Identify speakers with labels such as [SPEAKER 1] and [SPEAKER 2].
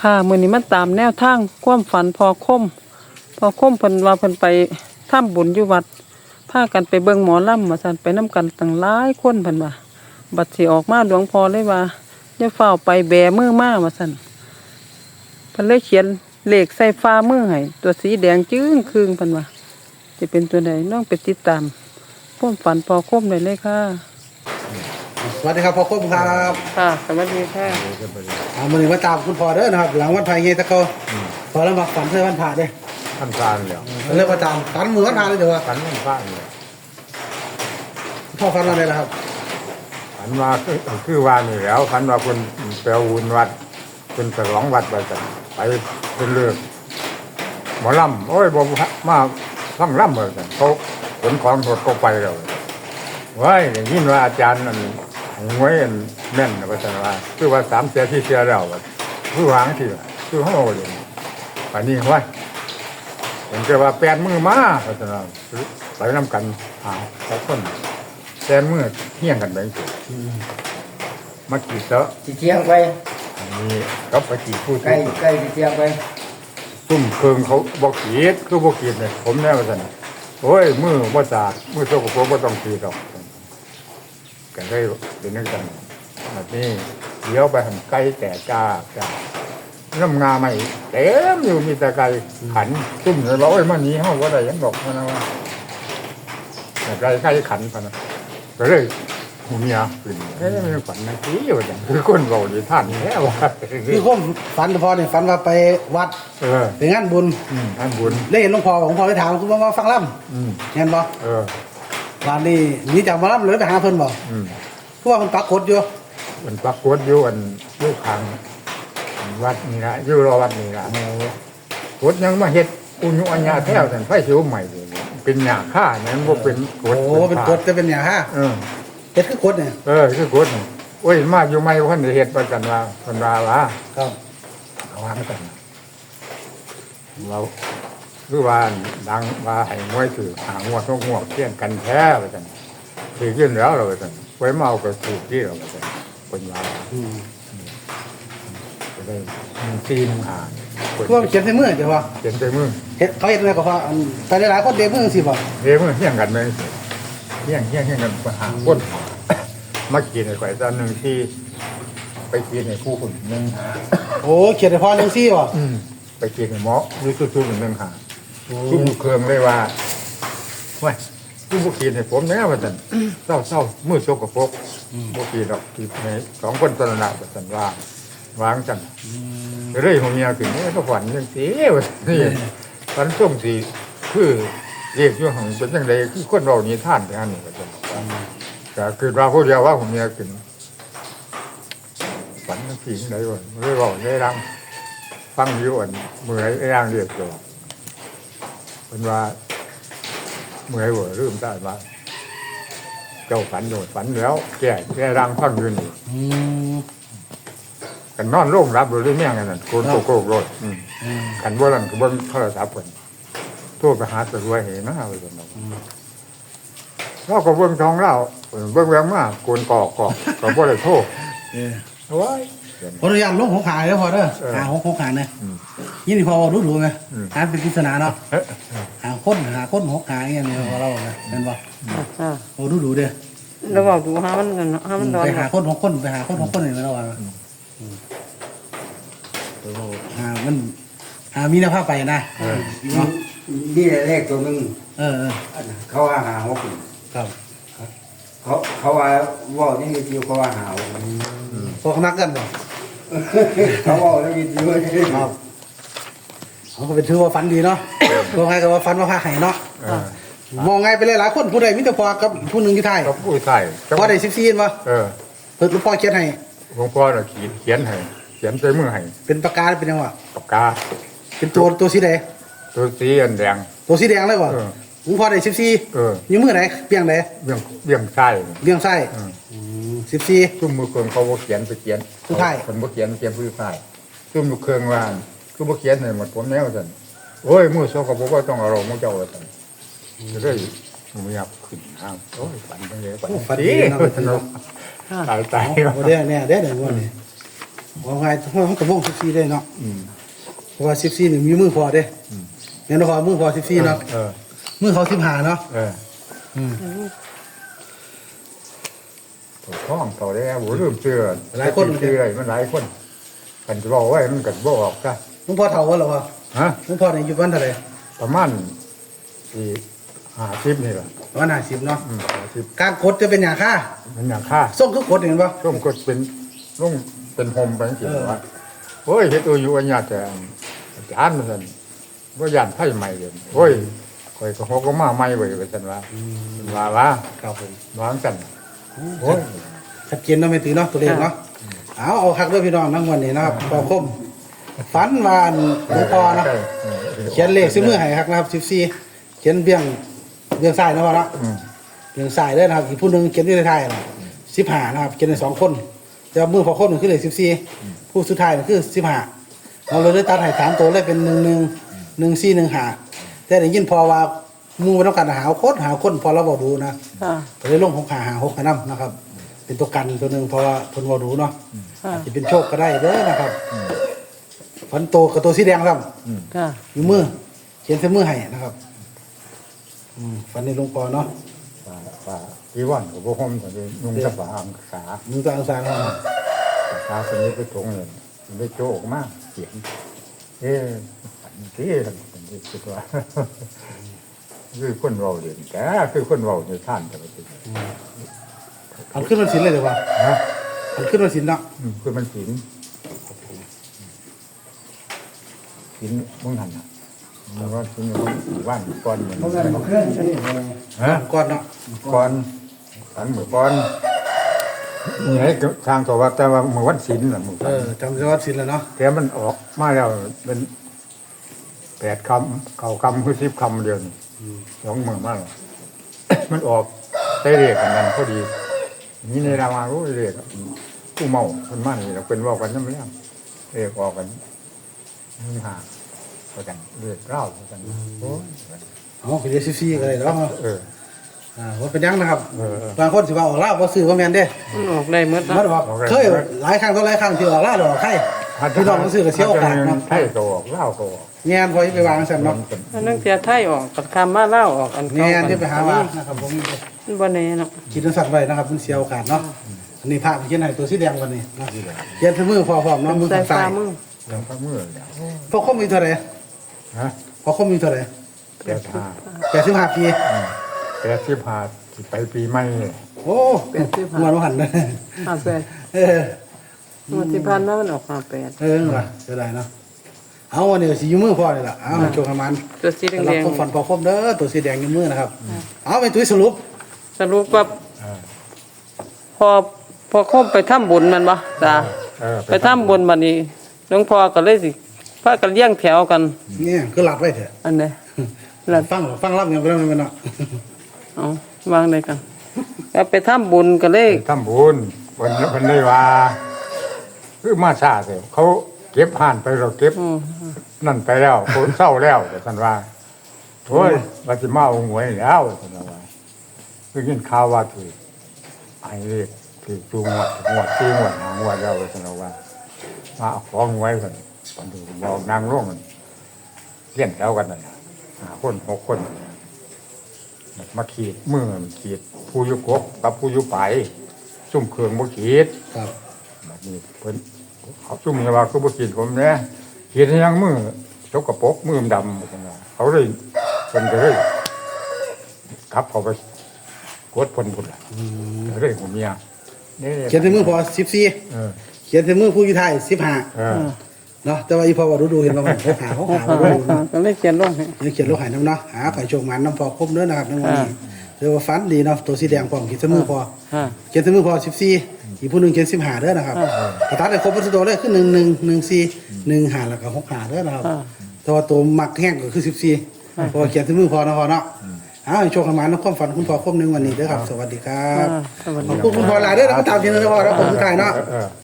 [SPEAKER 1] ค่ะมื้อนี้มันตามแนวทางความฝันพอคมเพิ่นว่าเพิ่นไปทำบุญอยู่วัดพากันไปเบิ่งหมอลำว่าซั่นไปนํกันตั้งหลายคนเพิ่นว่าบัดสิออกมาหลวงพ่อเลยว่าอย่าเฝ้าวไปแบมือมาว่าซั่นเพิ่นเลยเขียนเลขใส่ฟ้ามือให้ตัวสีแดงจึ้งครึ่งเพิ่นว่าสิเป็นตัวใดน้องไปติดตามความฝันพอคมได้เลยค่ะ
[SPEAKER 2] สวัสดีครับพ่อคมครับ
[SPEAKER 1] ค่ะสวัสดีค่ะ
[SPEAKER 2] วันนี้มาตามคุณพ่อเด้อนะครับหลังวันพายเงยตะโกพอแล้วมาฝันเพื่อวันผ่าเด้
[SPEAKER 3] ท่านพานแล้ว
[SPEAKER 2] เริ่มมาตามฝันมือวันผ่าเลยเดี๋ยวว่า
[SPEAKER 3] ฝันท่านพานเลย
[SPEAKER 2] พ่อฝันอะไรล่ะครับ
[SPEAKER 3] ฝันว่าคือว่านี่แล้วฝันว่าคนไปเอาวุญวัดเป็นฉลองวัดไปกันไปเป็นเลือกหมอลำโอ้ยบอกมาฟังลำเหมือนกันเขาขนของสดก็ไปแล้วว้ายอย่างนี้ว่าอาจารย์นั่นหวยอันแม่นนะพระจันทร์ว่าคือว่า3 เสียที่เสียแล้วคือวางที่คือห้องเลยป่านนี้ว่าเห็นแค่ว่า8 มือมาพระจันทร์ไปนำกันหาแต่คน8 มือเฮี้ยงกันไปมากี่เตอะ
[SPEAKER 4] สิเที่ยงไป
[SPEAKER 3] อันนี้ก็ไปกี่พูด
[SPEAKER 4] ใกล้สิเที่ยงไป
[SPEAKER 3] ซุ่มเคืองเขาบอกขีดคือบอกขีดเนี่ยผมแน่ว่าสันโอ้ยมือว่าสาดมือโซกโปรกว่าต้องขีดหรอกกันได้เป็นนักกันแบบนี้เดี๋ยวไปหันไก่แต่จ้าน้ำงาใหม่เต็มอยู่มีแต่ไก่ขันซุ่มเลยบอกโอ้ยมันนี้ห้องว่าอะไรยังบอกมันนะว่าแต่ไก่ขันพนะก็เลยหูเมียขึ้นไม่ฝันนะที่อยู่จังคือคนเราดีท่านแค่ว่า
[SPEAKER 2] พี่คมฝันพ่อเนี่ยฝันว่าไปวัดไปงานบุญ
[SPEAKER 3] อันบุญ
[SPEAKER 2] ได้เห็นหลวงพ่อของพ่อไปถามคุณว่าฟังล่ำเห็นบ่วันนี้นี่จากมาล่ำเลยไปหาเพิ่นบ่เพราะว่ามันปักกดอยู่
[SPEAKER 3] มันปรากฏอยู่อันลูกขังวัดนี่ละอยู่รอวัดนี่ละกดยังมาเฮ็ดอุญุอัญญาแท้วแต่ไฟสิวใหม่เลยเป็นหยาค่าเนี่ยมันบ่เป็นกด
[SPEAKER 2] โอ้เป็นกดจะเป็นอย่างฮะเฮ็ดคือกดเนี่ย
[SPEAKER 3] คือกดโอ้ยมาอยู่ใหม่เพิ่นได้เฮ็ดประกันว่าเพิ่นว่าว่า
[SPEAKER 2] ครับ
[SPEAKER 3] เอาวางกันเราคือว่าดังว่าให้มวยถือหางวดทุกงวดเที่ยงกันแท้ว่าซั่นถือขึ้นแล้วเราว่าซั่นไว้เมาก็ถูกที่เราว่าซั่นเพิ่นว่าจะได้ซีนหา
[SPEAKER 2] พวกเขียนใส่มือเดี๋ยวว่า
[SPEAKER 3] เขียนใส่มือ
[SPEAKER 2] เฮ็ดเขาเฮ็ดอะไรก็ว่าแต่หลายๆคนเด็กมือสิบ่
[SPEAKER 3] เฮ้ยมือเที่ยงกันไหมเที่ยงกันไปหาคนมากินไอ้ข่อยตอนหนึ่งที่ไปกินไอ้คู่คนหนึ่ง
[SPEAKER 2] โอ้เขียนให้พ่อจังซี่บ่
[SPEAKER 3] ไปกินไอ้หมอรู้ทุกๆหนึ่งหาทุกเครื่องเลยว่าว้ยทุกบุกินให้ผมแน่ว่าสันเศร้ามือโชกกระปกบุกินหรอกกินใน2 คนตระหนักว่าสันว่าวางจันเรื่อยของเมียถึงนี่ก็ฝันยังสีว่านี่ฝันส่งสีคือเรียกอยู่ของเป็นยังไงคือคนเรานี่ท่านไปอันนี้ว่าสันก็คือเราพูดเดียวว่าผมเมียถึงฝันทั้งผีทั้งไหนวะเรื่อยบอกได้รังฟังอยู่อันเมื่อยร่างเรียกตัวเป็นว่าเมื่อยหัวลืมได้ว่าเจ้าฝันโดดฝันแล้วแก่ร่างฟังอยู่นี่กันนอนโล่งรับโดยแม่งกันนั่นโกนโกโรดกันว่าหลังก็เบิ้งโทรศัพท์เพิ่นโทรไปหาตำรวจเห็นนะว่าซั่นเราก็เบิ้งท้องเราเบิ้งแวงมากโกนกอกก็บ่ได้โทษโอ้ย
[SPEAKER 2] ขออนุญาตลงหัวขาเด้อพ่อเด้อหาหัวขาเนี่ยยี่นี่พ่อรู้ไงหาเป็นปริศนาเนาะหาคนหัวขาอย่างเงี้ยเราเนี่ยเป็นบ่โอ้ดูเด้อ
[SPEAKER 1] แล้วบอกดูหามันกันหามันนอน
[SPEAKER 2] ไปหาคน6 คนไปหาคน6 คนอย่างเราอ่ะมันมีแนวภาพไปนะ
[SPEAKER 4] นี่เลขตัวนึง
[SPEAKER 2] เขาว่าหาหัวคุณครับ
[SPEAKER 4] เขาว่าว่านี่มีจิวเขาว่าหาว
[SPEAKER 2] พวกนักกันบ่
[SPEAKER 4] เขาว่านี่มีจิว
[SPEAKER 2] ครับเขาก็เป็นถือว่าฝันดีเนาะตัวไงก็ว่าฝันว่าพาไห้เนาะมองไงไปเลยหลายคนผู้ใดมิตรพอกับผู้หนึ่งอยู่ไทย
[SPEAKER 3] ก็ผู้ไทย
[SPEAKER 2] พอได้14ป่ะเพิ่นหลวงพ่อเขียนให้
[SPEAKER 3] หลวงพ่อน่ะเขียนให้เขียนใส่มือให้
[SPEAKER 2] เป็นปากกาเป็นยังวะ
[SPEAKER 3] ปากกา
[SPEAKER 2] เป็นตัวสีแดง
[SPEAKER 3] ตัวสีอันแดง
[SPEAKER 2] ตัวสีแดงเลยป่ะหลวงพ่อได้14อยู่มือไหนเปียงไหน
[SPEAKER 3] เบี่ยงใต้
[SPEAKER 2] เบี้ยงไส้14
[SPEAKER 3] ซุ่มมือเครื่องเขาบ่เขียนไปเขียน
[SPEAKER 2] ผู้ไทย
[SPEAKER 3] คนบ่เขียนผู้ไทยซุ่มมือเครื่องว่าคือบ่เขียนให้หมดผมแนวซั่นโอ้ยมือโซก็บ่ว่าต้องเอาเรามือเจ้าว่าซั่นเลยมือยับขึ้นอ้าวโอ้ยฝันจังได๋ฝันดีสนุกตาย
[SPEAKER 2] โอ้เด้อเนี่ยเด้อวันนี้ว่าไงมันกับวง14ได้เนาะ
[SPEAKER 3] อืม
[SPEAKER 2] เพราะว่า14นี่มีมือพอเด้แม่นพอมือพอ14เนาะ
[SPEAKER 3] เออ
[SPEAKER 2] มือเขา15เนาะ
[SPEAKER 3] เออ
[SPEAKER 2] อืม
[SPEAKER 3] ถูกต้องเขาได้โหลืมเชื่อ
[SPEAKER 2] หลายคน
[SPEAKER 3] เชื่ออะไรมันหลายคนกันจะบอกไว้มันกันบอกออกซะ
[SPEAKER 2] หลวงพ่อเฒ่าว่าหรอวะ
[SPEAKER 3] ฮะ
[SPEAKER 2] หลวงพ่อนี่อยู่วันเท่าไหร่
[SPEAKER 3] ประมาณที่50นี่แหละ
[SPEAKER 2] วัน50เนาะ
[SPEAKER 3] 50
[SPEAKER 2] การกดจะเป็นหยังค่า
[SPEAKER 3] มันอย่างค่า
[SPEAKER 2] ส่งคือกดเห็นบ่
[SPEAKER 3] ร่มก็เป็นร่มเป็นโฮมไปจริงๆว่าโอ้ยเฮ็ดตัวอยู่อันยาแต่อาจารย์มันว่าย่านไผใหม่เลยโอ้ยข่อยก็ฮอกก็มาใหม่ไว้ว่าซั่นว่า
[SPEAKER 2] ครับผม
[SPEAKER 3] วางกันโอ้ย
[SPEAKER 2] ชัดเจนเนาะไม่ตีเนาะตัวเลขเนาะเอาคักเด้อพี่น้องทั้งวันนี้นะครับพอคมฝันว่าหลวงพ่อเนาะเขียนเลขซื้อมือให้ครับนะครับ14เขียนเบี้ยงซ้ายนะพ่อเนาะ
[SPEAKER 3] อืม
[SPEAKER 2] เบี้ยงซ้ายเด้อนะครับอีกผู้หนึงเขียนอยู่ท้ายๆน่ะ15นะครับเขียนได้2คนแต่ว่ามือพอคมนี่คือเลข14ผู้สุดท้ายนี่คือ15เราเลยได้ตัดให้3ตัวเลยเป็น1415แต่ได้ยินพอว่าหมู่บ่ต้องการหาคนพอเราบ่ดูนะ
[SPEAKER 1] ค่ะ
[SPEAKER 2] ก็เลยลง6หา6นํนะครับ เป็นตัวกันตัวหนึงเพราะว่าเพิ่นบ่ดูเนาะ
[SPEAKER 1] ค่ะ
[SPEAKER 2] อาจจะเป็นโชคก็ได้เด้อนะครับฝันโตกับตัวสีแดงครับ
[SPEAKER 1] ค่ะ
[SPEAKER 2] อยู่มือเขียนใส่มือให้นะครับฝันในหลวงพ่อเนาะ
[SPEAKER 3] ว่าอีวันก็บ่ห่มก็เลยนุ่งสบายอังษา
[SPEAKER 2] มือตัวอังสารเนาะ
[SPEAKER 3] ษาคนนี้ไปตรงเลยมันได้โจออกมาเสียงเอ๊ะที่ทำเป็นที่คิดว่าคือคนเราเรียนแกคือคนเราในท่านแต่ละที
[SPEAKER 2] อันขึ้นวันศีลเลยเดี๋ยวว่า
[SPEAKER 3] นะ
[SPEAKER 2] อันขึ้นวันศีลเนาะ
[SPEAKER 3] คือมันศีลศีลมึงหันอ่ะมันก็ศีลมันว่านก่อนเหมือน
[SPEAKER 4] เพราะงั้นบ่เคลื่อนอันนี้
[SPEAKER 3] ฮะ
[SPEAKER 2] ก่อนเนาะ
[SPEAKER 3] ก่อนสันเหมือนก่อนนี่ให้ทางตัวว่าแต่ว่าเมื่อวันศีลน่ะมึง
[SPEAKER 2] จำได้ว่าศีลแล้วเนาะ
[SPEAKER 3] แต่มันออกมาแล้วเป็น8 คำ9 คำคือ10 คำเดียวนี่2 มื้อมาแล้ว มันออกได้เรียกกันนั้นพอดีนี่ในรามารู้เรียกผู้เมาคนมานี่เราเป็นว่ากันนั่นไม่ได้เรียกออกกันนี่หากันเรียกเล่ากันโอ้ย
[SPEAKER 2] อ๋อคือเดี๋ยวซีก็ได้เนาะ
[SPEAKER 3] เออ
[SPEAKER 2] ว่าเป็นยังนะครับ
[SPEAKER 3] เออ
[SPEAKER 2] บางคนสิว่าออกล่าบ่ซื้อบ่แม่นเด้
[SPEAKER 1] มันออกได้หมด
[SPEAKER 2] มั
[SPEAKER 1] เนาะ
[SPEAKER 2] นออกเคยหลายครั้งต่อหลายครั้งที่ออกล่าหรอกใครพี่น้องบ่ซื้อก็เสียโอกาสเนาะ
[SPEAKER 3] ไทยก็ออกเล่าก็ออก
[SPEAKER 2] แม่นพอไปวางซั่นเนาะ
[SPEAKER 1] อันนั้นเสียไทยออกกับคำมาเล่าวออกอัน
[SPEAKER 2] แม่
[SPEAKER 1] เก่าน
[SPEAKER 2] ที่ไปหาว่านะครับผม
[SPEAKER 1] มันบ่แน่เนาะ
[SPEAKER 2] คิดสัตว์ไว้นะครับมันเสียโอกาสเนาะอันนี้ภาพเขียนให้ตัวสีแดงวันนี้นะเขียนที่มือพร้อมเนาะมือ
[SPEAKER 1] ใส่
[SPEAKER 2] ข้าง
[SPEAKER 1] ฟ้า
[SPEAKER 2] ซ้าย
[SPEAKER 1] มือ
[SPEAKER 3] แล้วก็มือแล้ว
[SPEAKER 2] พอคมมีเท่าไหร่
[SPEAKER 3] ฮะ
[SPEAKER 2] พอคมมีเท่าไหร่
[SPEAKER 3] 85
[SPEAKER 2] 85 ปี
[SPEAKER 3] 85ที่ไปปีใหม่
[SPEAKER 2] โอ้เงินหันเลย
[SPEAKER 1] 58
[SPEAKER 2] เออ
[SPEAKER 1] งวดที่ผ่านมามันออก58
[SPEAKER 2] เออว่ะเสียดายเนาะเอาวันนี้สียูมือพอเลยล่ะเอาโชว์ขมัน
[SPEAKER 1] ตัวสี
[SPEAKER 2] สำห
[SPEAKER 1] แด
[SPEAKER 2] รับ
[SPEAKER 1] ง
[SPEAKER 2] คนฝันพอคมเด้อตัวสีแดงยูมือนะครับเอาไปตุ้ยสรุป
[SPEAKER 1] ๆสรุปว่า
[SPEAKER 3] เออ
[SPEAKER 1] พอครบไปทำบุญมันบ่จ้า
[SPEAKER 3] เออ
[SPEAKER 1] ไปทำบุญบัดนี้หลวงพ่อก็เลยสิพากันเลี้ยงแถวกัน
[SPEAKER 2] เนี่ยคือหลับไว้เถอะ
[SPEAKER 1] อันใดแล้ว
[SPEAKER 2] ฟังรับอย่างเดียวไม่เนาะ
[SPEAKER 1] เอาวางได้กันแล้วไปทำบุญก็เลย
[SPEAKER 3] ทำบุญวันได้ว่าคือมาซาเถอะเขาเก็บห่านไปเราเก็บ
[SPEAKER 1] อืม
[SPEAKER 3] นั่นไปแล้วคนเศร้าแล้วแต่ท่านว่าโอ้ยว่าสิมาเอาหวยแล้วท่านว่าคือยินข่าวว่าถือไอ้เรียกถือจูงหวดซื้อหวดหางหวดแล้วท่านว่ามาเอาของหวยกันตอนดูบอกนางร่วงกันเลี้ยนแล้วกันนั่นน่ะ5 คน 6 คนมาขีดมือมันขีดผู้อยุกบกับผู้อยุไปซุ่มเครื่องบ่ขีด
[SPEAKER 2] ครับ
[SPEAKER 3] แบบนี้เพิ่นเขาซุ่มเนี่ยว่าคือบ่ขีดผมเนี่ยขีดให้ยังมือจกกระปรกมือมันดำจังว่าเขาเลยเพิ่นก็เลยขับเขาไปกดเพิ่นพุ่นล่ะก็เลยผมเมียนี่
[SPEAKER 2] เขียนที่มือพอ14
[SPEAKER 3] เออ
[SPEAKER 2] เขียนที่มือผู้อยู่ไทย15
[SPEAKER 3] เออ
[SPEAKER 2] เนาะแต่ว่าอีพอว่าดูเห็นว่ามันเขาดูเนาะ
[SPEAKER 1] ก็เลยเขียนลงให้
[SPEAKER 2] นี่เขียนลูกหายน้ำเนาะหาไข่โชคมันน้ำพอครบเนื้อนะครับในวันนี้เรียกว่าฟันดีเนาะตัวสีแดงพร้อมเขียนเสมอพอ
[SPEAKER 1] ฮะ
[SPEAKER 2] เขียนเสมอพอ14อีกผู้หนึงเขียน15เด้อนะครับกระตัดได้ครบวัตถุตัวเลยคือ1114 15แล้วก็65เด้อนะครับแต่ว่าตัวมักแห้งก็คือ14พอเขียนเสมอพอนะพอเนาะให้โชคมันน้ำความฝันคุณพ่อครบในวันนี้เด้อครับสวัสดีครับ
[SPEAKER 1] สวัส
[SPEAKER 2] ข
[SPEAKER 1] ดี
[SPEAKER 2] อบคุณคุณพ่อหลายเด้อแล้วก็ตามที่นึงนะพ่อแล้วผมสุดท้ายเนาะ
[SPEAKER 3] เออ